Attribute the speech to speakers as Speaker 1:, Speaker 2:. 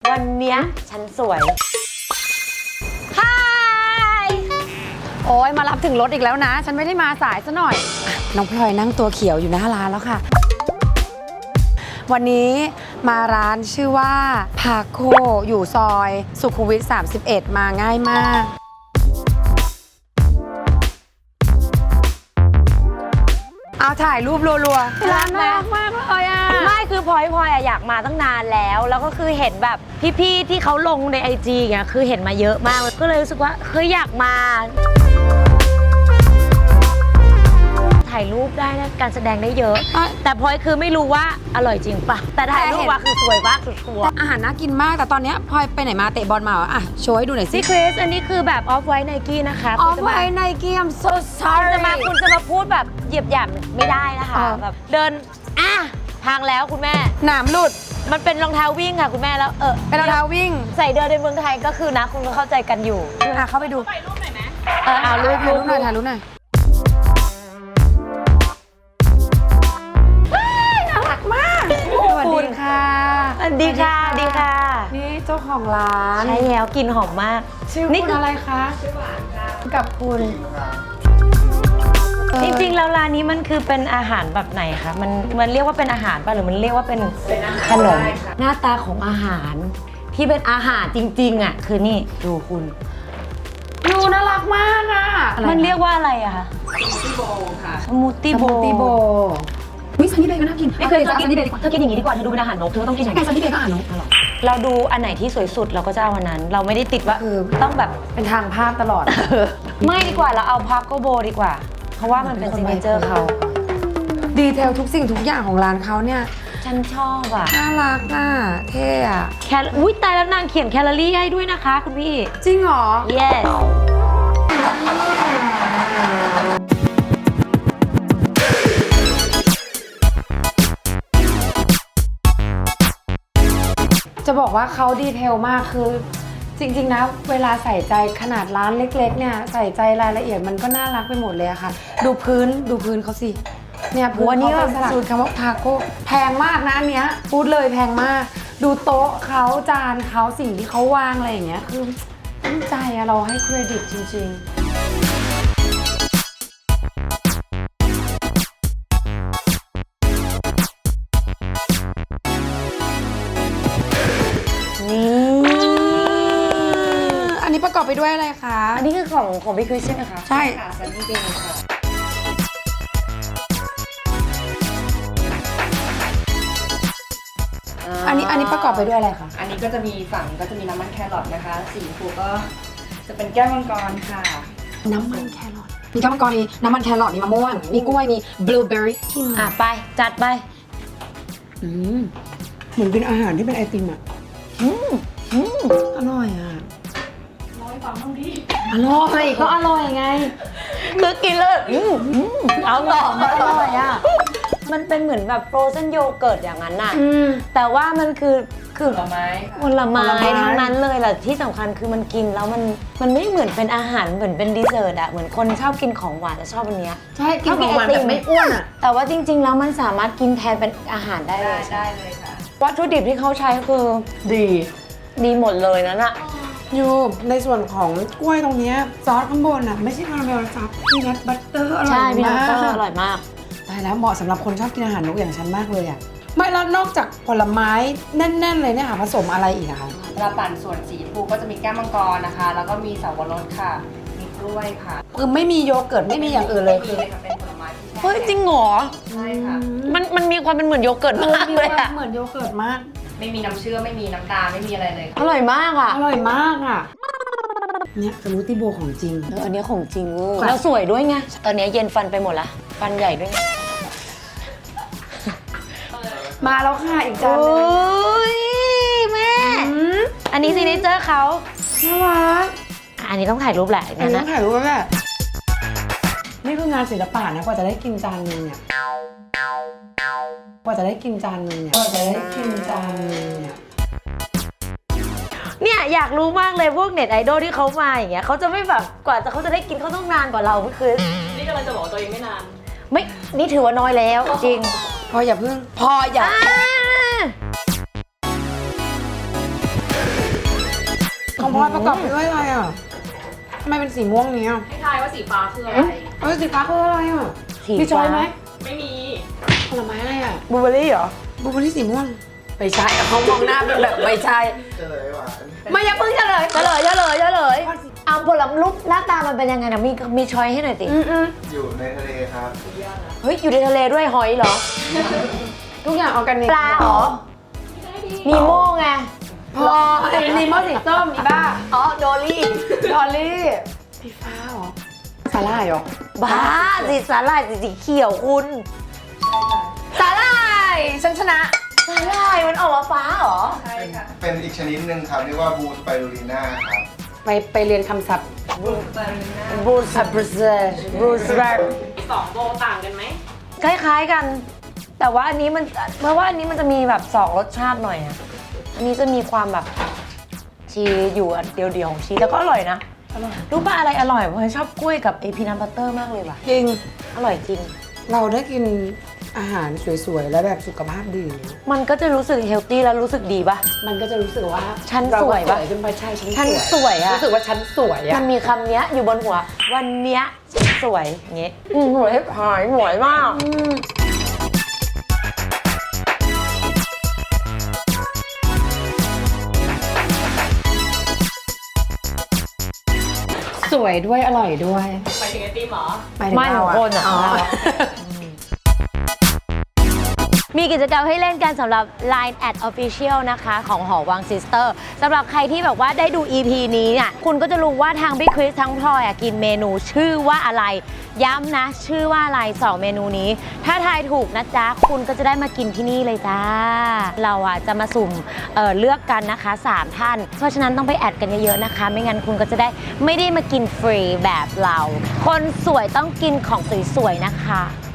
Speaker 1: วันเนี้ยฉันสวยฮาย
Speaker 2: โอ้ยมารับถึงรถอีกแล้วนะฉันไม่ได้มาสายซะหน่อยน้องพลอยนั่งตัวเขียวอยู่หน้าร้านแล้วค่ะวันนี้มาร้านชื่อว่าพาโคอยู่ซอยสุขุมวิท31มาง่ายมากเอาถ่ายรูปรัวๆร้านน่ารักมากเลยอ่ะ
Speaker 1: ไม่คือพลอยอยากมาตั้งนานแล้วก็คือเห็นแบบพี่ๆที่เขาลงใน IG เงี้ยคือเห็นมาเยอะมากก็เลยรู้สึกว่าเฮ้ยอยากมาถ่ายรูปได้นะการแสดงได้เยอะแต่พลอยคือไม่รู้ว่าอร่อยจริงปะแต่ถ่ายรูปว่าคือสวยมากสุดชัวร์
Speaker 2: อาหารน่ากินมากแต่ตอนนี้พลอยไปไหนมาเตะบอลมาอ่ะโชว์ให้ดูหน่อยสิ
Speaker 1: พี่คริสอันนี้คือแบบออฟไวท์ไนกี้นะคะ
Speaker 2: ออฟไวท์ไนกี้ I'm so
Speaker 1: คุณ
Speaker 2: sorry
Speaker 1: จะมาพูดแบบเหยียบหยามไม่ได้นะคะแบบเดินพังแล้วคุณแม่
Speaker 2: หนามหลุด
Speaker 1: มันเป็นรองเท้าวิ่งค่ะคุณแม่แล้ว
Speaker 2: เป็นรองเท้าวิ่ง
Speaker 1: ใส่เดินในเมืองไทยก็คือนะคุณก็เข้าใจกันอยู่
Speaker 2: เข้าไปดู
Speaker 3: ถ่ายรูปหน่อยไหม
Speaker 2: เอารูปหน่อยถ่ายรูปหน่อยน่ารักมากสวัสดีค่ะ
Speaker 1: ดีค่ะดีค่ะ
Speaker 2: นี่เจ้าของร้าน
Speaker 1: ใช่แล้วกลิ่นหอมมาก
Speaker 2: ชื่อคุณอะไรคะ
Speaker 3: ชื่อหวานค่ะ
Speaker 2: กับคุณ
Speaker 1: จริงๆแล้วร้านนี้มันคือเป็นอาหารแบบไหนคะมันเรียกว่าเป็นอาหารป่ะหรือมันเรียกว่าเป็นขนมหน้าตาของอาหารที่เป็นอาหารจริงๆอ่ะคือนี่ดูคุณ
Speaker 2: ดูน่ารักมากอ่ะ
Speaker 1: มันเรียกว่าอะไรอะคะ
Speaker 3: สมูทตี้โบค่ะ
Speaker 1: สมูทตี้โบ
Speaker 2: วิซันนี่เบย์ก็น่ากิน
Speaker 1: ไม่เคยกินเธอกินอย่างนี้ดีกว่าเธอดูเป็นอาหารนกเธอต้องกินอย่างนี้
Speaker 2: ซันนี่เบย์ก็อาหารนก
Speaker 1: เราดูอันไหนที่สวยสุดเราก็จะเอาอันนั้นเราไม่ได้ติดว่าต้องแบบ
Speaker 2: เป็นทางภาพตลอด
Speaker 1: ไม่ดีกว่าเราเอาพาโกโบดีกว่าเพราะว่ามันเป็นซิกเนเจอร์เขา
Speaker 2: ดีเทลทุกสิ่งทุกอย่างของร้านเขาเนี่ย
Speaker 1: ฉันชอบอ่ะ
Speaker 2: น่ารักอ่ะเท่อะ
Speaker 1: อุ้ยตายแล้วนางเขียนแคลอรี่ให้ด้วยนะคะคุณพี่
Speaker 2: จริงเหรอ
Speaker 1: yes
Speaker 2: จะบอกว่าเขาดีเทลมากคือจริงๆนะเวลาใส่ใจขนาดร้านเล็กๆเนี่ยใส่ใจรายละเอียดมันก็น่ารักไปหมดเลยอะค่ะดูพื้นเขาสิเนี่ยพื้นเขาเป็นสลักสูตรคำว่าพาโก้แพงมากนะอันเนี้ยพูดเลยแพงมากดูโต๊ะเขาจานเขาสิ่งที่เขาวางอะไรอย่างเงี้ยคือตั้งใจอะเราให้เครดิตจริงๆอันนี้ประกอบไปด้วยอะไรคะ
Speaker 1: อันนี้คือของพี่คริสใช่ไหมคะ
Speaker 2: ใช่
Speaker 3: ค่ะซันนี่เบย์ค่ะ
Speaker 2: อันนี้ประกอบไปด้วยอะไรคะ
Speaker 3: อันนี้ก็จะมีฝั่งก็จะมีน้ำมันแครอทนะคะสีชมพูก็จะเป็นแก้วมังกรค่ะ
Speaker 2: น้ำมันแครอทมีแก้วมังกรมีน้ำมันแครอทมีมะม่วงมีกล้วยมีบลูเบอร์รี่
Speaker 1: ไปจัดไป
Speaker 2: เหมือนเป็นอาหารที่เป็นไอติมอ่ะอร่อยอ่ะอร่อยก็อร่อยไง
Speaker 1: คือกินเลยเอาต่ออร่อยอ่ะมันเป็นเหมือนแบบโฟรเซนโยเกิร์ตอย่างนั้นน่ะแต่ว่ามันคือ
Speaker 3: ผลไม้
Speaker 1: ทั้งนั้นเลยแหละที่สำคัญคือมันกินแล้วมันไม่เหมือนเป็นอาหารเหมือนเป็นดีเซอร์ตอะเหมือนคนชอบกินของหวานจะชอบอันเนี้ย
Speaker 2: ใช่กินของหวานแบบไม่อ้วนอะ
Speaker 1: แต่ว่าจริงๆแล้วมันสามารถกินแทนเป็นอาหารได้เลย
Speaker 3: ค่ะ
Speaker 1: วัตถุดิบที่เขาใช้คือดีหมดเลยนั่นอะ
Speaker 2: อยู่ในส่วนของกล้วยตรงนี้ซอสข้างบนอะไม่ใช่คาราเมลซับพีนัทบัตเตอร์อร่อยมากใช่
Speaker 1: พีนัทบัตเตอร์อร่อยมาก
Speaker 2: ตายแล้วเหมาะสำหรับคนชอบกินอาหารนกอย่างฉันมากเลยอะไม่แล้วนอกจากผลไม้แน่นๆเลยเนี่ยค่ะผสมอะไรอีกอะคะ
Speaker 3: เวลาปั่นส่วนสีชมพูก็จะมีแก้วมังกรนะคะแล้วก็มีสับปะรดค่ะมีกล้วยค่ะ
Speaker 2: คือไม่มีโยเกิร์ตไม่มีอย่างอื่นเลยคือ
Speaker 3: เป็นผลไม้
Speaker 1: เฮ้ยจริงเหรอ
Speaker 3: ใช่ค่ะ
Speaker 1: มันมีความเป็นเหมือนโยเกิร์ตมากเลยอะ
Speaker 2: เหมือนโยเกิร์ตมาก
Speaker 3: ไม่มีน้ำเชื่อมไม่มีน้ำตาลไม่มีอะไรเลย
Speaker 1: อร่อยมากอะ
Speaker 2: อร่อยมากอะเนี่ยสมูทตี้โบของจริง
Speaker 1: อันนี้ของจริงแล้วสวยด้วยไงตอนนี้เย็นฟันไปหมดละฟันใหญ่ด้วย
Speaker 2: มาแล้วค่ะอีกจานนึง
Speaker 1: แม่อันนี้ซิกเนเจอร์เขา
Speaker 2: น่ารัก
Speaker 1: อันนี้ต้องถ่ายรูปแหละ
Speaker 2: อันนี้ต้องถ่ายรูปแม่นี่คืองานศิลปะนะกว่าจะได้กินจานนึงเนี่ย
Speaker 1: เนี่ยอยากรู้มากเลยพวกเน็ตไอดอลที่เขามาอย่างเงี้ยเขาจะไม่แบบกว่าเขาจะได้กินเขาต้องนานกว่าเราไม่คือ
Speaker 3: นี่กำลังจะบอกตัวเองไม่นาน
Speaker 1: ไม่นี่ถือว่าน้อยแล้วจริง
Speaker 2: พออย่าพึ่งพออย่าของพลอยประกอบไปด้วยอะไรอ่ะทำไมเป็นสีม่วงเนี้ย
Speaker 3: ให้ทายว่าสีฟ้าคืออะไร
Speaker 2: สีฟ้าคืออะไรอ่ะ
Speaker 1: สี
Speaker 2: มีช้อยไหม
Speaker 3: ไม่มี
Speaker 2: ผลไม้อะไรอ่ะ
Speaker 1: บลูเบอร์รี่เหรอ
Speaker 2: บลูเบอร์รี่สีม่วงไม่ใช่เขามองหน้าเป็นแบบไม่ใช่
Speaker 4: เฉลยหวาน
Speaker 2: ไม่อย่าเพิ่งเฉลย
Speaker 1: เฉลยเอาผลไม้รูปหน้าตามันเป็นยังไงนะมีช้อยให้หน่อยสิ
Speaker 4: อยู่ในทะเลครับ
Speaker 1: เฮ้ยอยู่ในทะเลด้วยหอยเหรอ
Speaker 2: ทุกอย่างออร์แกนิก
Speaker 1: ปลาเหรอนีโม่ไง
Speaker 2: พอไอ้นีโมสีส้มอีบ้า
Speaker 1: อ๋อโดลี่
Speaker 2: ดอลลี่สีฟ้าเหรอสาหร่ายเหรอ
Speaker 1: บ้าสีสาหร่ายสีเขียวคุณ
Speaker 2: สาหร่ายฉันชนะ
Speaker 1: สาหร่ายมันออกมาฟ้าเหรอ
Speaker 3: ใช่ค่ะ
Speaker 4: เป็นอีกชนิดหนึ่งครับเรียกว่าบูสไปรูลิน่าครับ
Speaker 2: ไปเรียนคำศัพท์
Speaker 3: บูสเบอร์น่า
Speaker 1: บรูซบรูซเบอร์
Speaker 3: สองโบต่างกันไหม
Speaker 1: คล้ายๆกัน แต่ว่าอันนี้มันเพราะว่าอันนี้มันจะมีแบบสองรสชาติหน่อยอะอันนี้จะมีความแบบชีสอยู่อันเดียวๆของชีสแล้วก็อร่อยนะรู้ป่ะอะไรอร่อยผมชอบกล้วยกับไอพีนัทบัตเตอร์มากเลยว่ะ
Speaker 2: จริง
Speaker 1: อร่อยจริง
Speaker 2: เราได้กินอาหารสวยๆ และแบบสุขภาพดี
Speaker 1: มันก็จะรู้สึกเฮลตี้แล้วรู้สึกดีป่ะ
Speaker 2: มันก็จะรู้สึกว่า
Speaker 1: ฉัน
Speaker 2: เรา
Speaker 1: สวยปะ
Speaker 2: ขึ้นไปใช่
Speaker 1: ฉั
Speaker 2: ฉั
Speaker 1: น
Speaker 2: น
Speaker 1: สวยอะ
Speaker 2: รู้สึกว่าฉันสวย
Speaker 1: มั
Speaker 2: อะ
Speaker 1: นมีคำเนี้ยอยู่บนหัว วันเนี้ยฉันสวยอย่างเงี้ยหวยหายหวยมาก
Speaker 2: สวยด้วยอร่อยด้วย
Speaker 3: หมายถึงไอติมเหรอ
Speaker 2: หายถึ
Speaker 1: ไม่
Speaker 2: เรา
Speaker 1: ของคนอะ มีกิจกรรมให้เล่นกันสำหรับ Line @official นะคะของหอวังซิสเตอร์สำหรับใครที่แบบว่าได้ดู EP นี้เนี่ยคุณก็จะรู้ว่าทางพี่คริสทั้งพลอยกินเมนูชื่อว่าอะไร ย้ำนะชื่อว่าอะไร 2 เมนูนี้ ถ้าทายถูกนะจ๊ะ คุณก็จะได้มากินที่นี่เลยจ้า เราจะมาสุ่มเลือกกันนะคะ 3 ท่าน เพราะฉะนั้นต้องไปแอดกันเยอะๆนะคะ ไม่งั้นคุณก็จะได้ไม่ได้มากินฟรีแบบเรา คนสวยต้องกินของสวยๆนะคะ